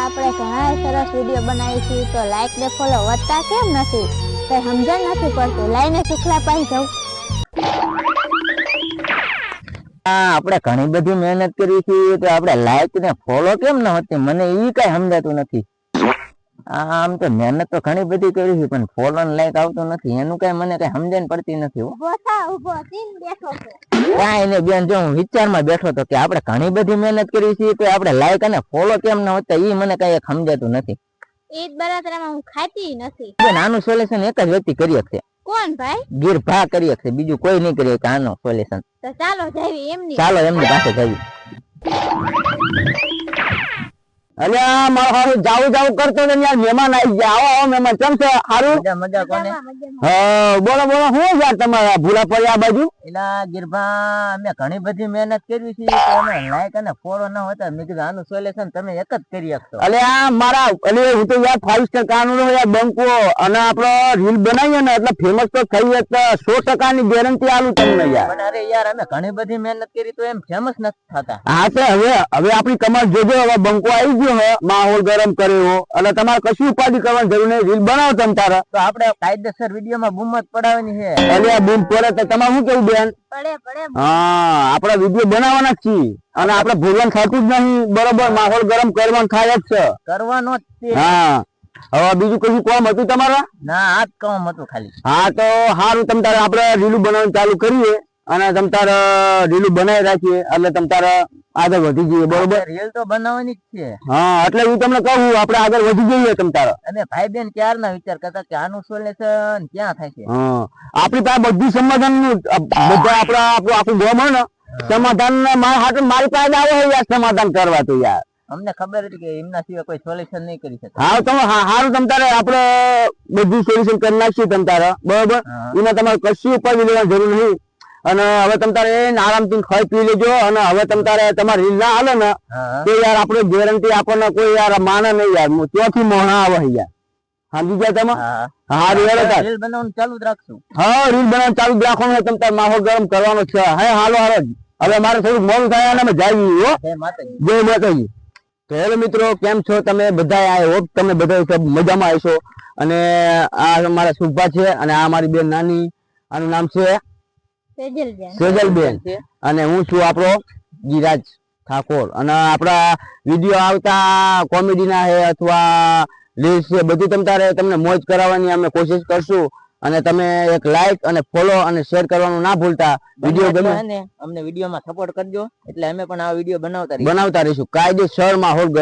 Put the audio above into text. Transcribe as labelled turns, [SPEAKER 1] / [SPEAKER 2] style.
[SPEAKER 1] આપણે ઘણા સરસ વિડિયો બનાવી છે તો લાઈક ને ફોલો વધતા કેમ નથી? કઈ સમજણ નથી પડતું. લાઈને સુખલા પાઈ જાવ.
[SPEAKER 2] આપણે ઘણી બધી મહેનત કરી છે તો આપણે લાઈક ને ફોલો કેમ ન હોતી? મને ઈ કઈ સમજાતું નથી. આમ તો મહેનત તો ઘણી બધી કરી છે પણ ફોલો ને લાઈક આવતું નથી. એનું કઈ મને કઈ સમજણ પડતી નથી.
[SPEAKER 1] ઉભો થઈને બેઠો છો.
[SPEAKER 2] કાંઈ ને બેન, જો હું વિચારમાં બેઠો તો કે આપણે ઘણી બધી મહેનત કરી છે તો આપણે લાઈક અને ફોલો કેમ ન હોતા ઈ મને કઈ સમજાતું નથી.
[SPEAKER 1] ઈદ બરાતરામાં હું ખાતી નથી.
[SPEAKER 2] બેન, આનું સોલ્યુશન એક જ વ્યક્તિ કરી શકશે.
[SPEAKER 1] કોણ ભાઈ?
[SPEAKER 2] ગીરભા કરી શકશે, બીજું કોઈ નહીં કરી શકે આનો સોલ્યુશન.
[SPEAKER 1] તો ચાલો જાવી એમની.
[SPEAKER 2] ચાલો એમની પાસે જઈએ.
[SPEAKER 3] અલ્યા મારો હારું જાવું કરતો ને યાર, મહેમાન આવી ગયા. આવો આવો મહેમાન, કેમ છે? હારું?
[SPEAKER 2] મજા કોને?
[SPEAKER 3] હા બોલો બોલો, શું યાર તમારા ભૂલા પડ્યા આ બાજુ?
[SPEAKER 2] એલા ગીરભા, અમે ઘણી બધી મહેનત કરી છે તો અમે લાઈક અને ફોલો ન હોતા. મેં કીધું આનું સોલ્યુશન તમે એક જ કરી શકશો.
[SPEAKER 3] અલ્યા મારા હું તો યાર 5 સ્ટાર કાનૂન યાર બંકો અને આપણો રીલ બનાવીએ ને એટલે ફેમસ તો થઈ જ 100% ની ગેરંટી આલું તમને યાર.
[SPEAKER 2] પણ અરે યાર, અમે ઘણી બધી મહેનત કરી તો એમ ફેમસ નથી થતા.
[SPEAKER 3] હા તો હવે આપણી કમાલ જોજો. હવે બંકો આવી ગયો હે, માહોલ ગરમ કર્યો એટલે તમારે કશું ઉપાધિ કરવાની જરૂર નહીં. રીલ બનાવો તમ તારા
[SPEAKER 2] તો આપણે કાયદેસર વિડીયોમાં બૂમત પડાવવાની છે.
[SPEAKER 3] અલ્યા બૂમ પડે તો તમારે શું કેવું બેન?
[SPEAKER 1] પડે.
[SPEAKER 3] હા, આપડા વિડીયો બનાવવાના જ છીએ અને આપડે ભૂલવાનું થતું જ નહીં. બરોબર, માહોલ ગરમ કરવાનું થાય જ છે.
[SPEAKER 2] કરવાનો જ છે.
[SPEAKER 3] હા, હવે બીજું કશું કામ હતું તમારા?
[SPEAKER 2] ના, આ જ કામ હતું ખાલી.
[SPEAKER 3] હા તો સારું, તમ તારે આપડે રીલું બનાવવાનું ચાલુ કરીએ અને તમ તારે રીલું બનાવી રાખીએ એટલે તમ તારે આગળ વધી જઈએ. બરોબર,
[SPEAKER 2] રીલ તો બનાવવાની જ છે.
[SPEAKER 3] હા, એટલે હું તમને કહું આપડે આગળ વધી જઈએ તમ તારે.
[SPEAKER 2] અમે ભાઈ બેન ક્યારના વિચાર કરતા કે આનું સોલ્યુશન ક્યાં થાય છે.
[SPEAKER 3] હા, આપડી પાસે બધું સમાધાન નું બધા આપડા આપણું આખું ગામ હોય ને સમાધાન મારી પાસે આવે યાર સમાધાન કરવા. તો યાર
[SPEAKER 2] અમને ખબર હતી કે એમના સિવાય કોઈ સોલ્યુશન નહીં કરી શકે.
[SPEAKER 3] હા તમે સારું, તમ તારે આપડે બધું સોલ્યુશન કરી નાખીએ તમ તારે. બરોબર, એમાં તમારે કશું ઉપાધિ લેવાની જરૂર નહીં. અને હવે તમ તારે આરામથી ખાઈ પી લેજો. અને હવે તમ તારે તમારે રીલ ના હાલે ને તો યાર આપણે ગેરંટી આપણને કોઈ યાર માને નહીં યાર. ત્યાંથી મોહણા આવે યાર. સમજી ગયા તમે? હા, રીલ
[SPEAKER 2] બનાવવાનું ચાલુ જ રાખશું.
[SPEAKER 3] હા, રીલ બનાવવાનું ચાલુ જ રાખવાનું. તમ તારે માહોલ ગરમ કરવાનો છે. હે હાલો હવે મારે થોડુંક મોડું થાય અને અમે જઈએ.
[SPEAKER 2] જય માતાજી.
[SPEAKER 3] જય માતાજી. તો હેલો મિત્રો, કેમ છો તમે બધા? આઈ હોપ તમે બધા મજામાં આવશો. અને આ અમારા સુભા છે અને આ અમારી બેન નાની, આનું નામ છે સેજલબેન. અને હું છું આપણો ગિરાજ ઠાકોર. અને આપણા વિડીયો આવતા કોમેડી ના છે અથવા રીલ્સ છે, બધું તમને મોજ કરાવવાની અમે કોશિશ કરશું. અને તમે એક લાઈક અને ફોલો અને શેર કરવાનું ના ભૂલતા. વિડીયો ગમે
[SPEAKER 2] અમને વિડીયોમાં સપોર્ટ કરજો એટલે અમે પણ આ વિડીયો બનાવતા
[SPEAKER 3] રહીશું. કાયદેસર માહોલ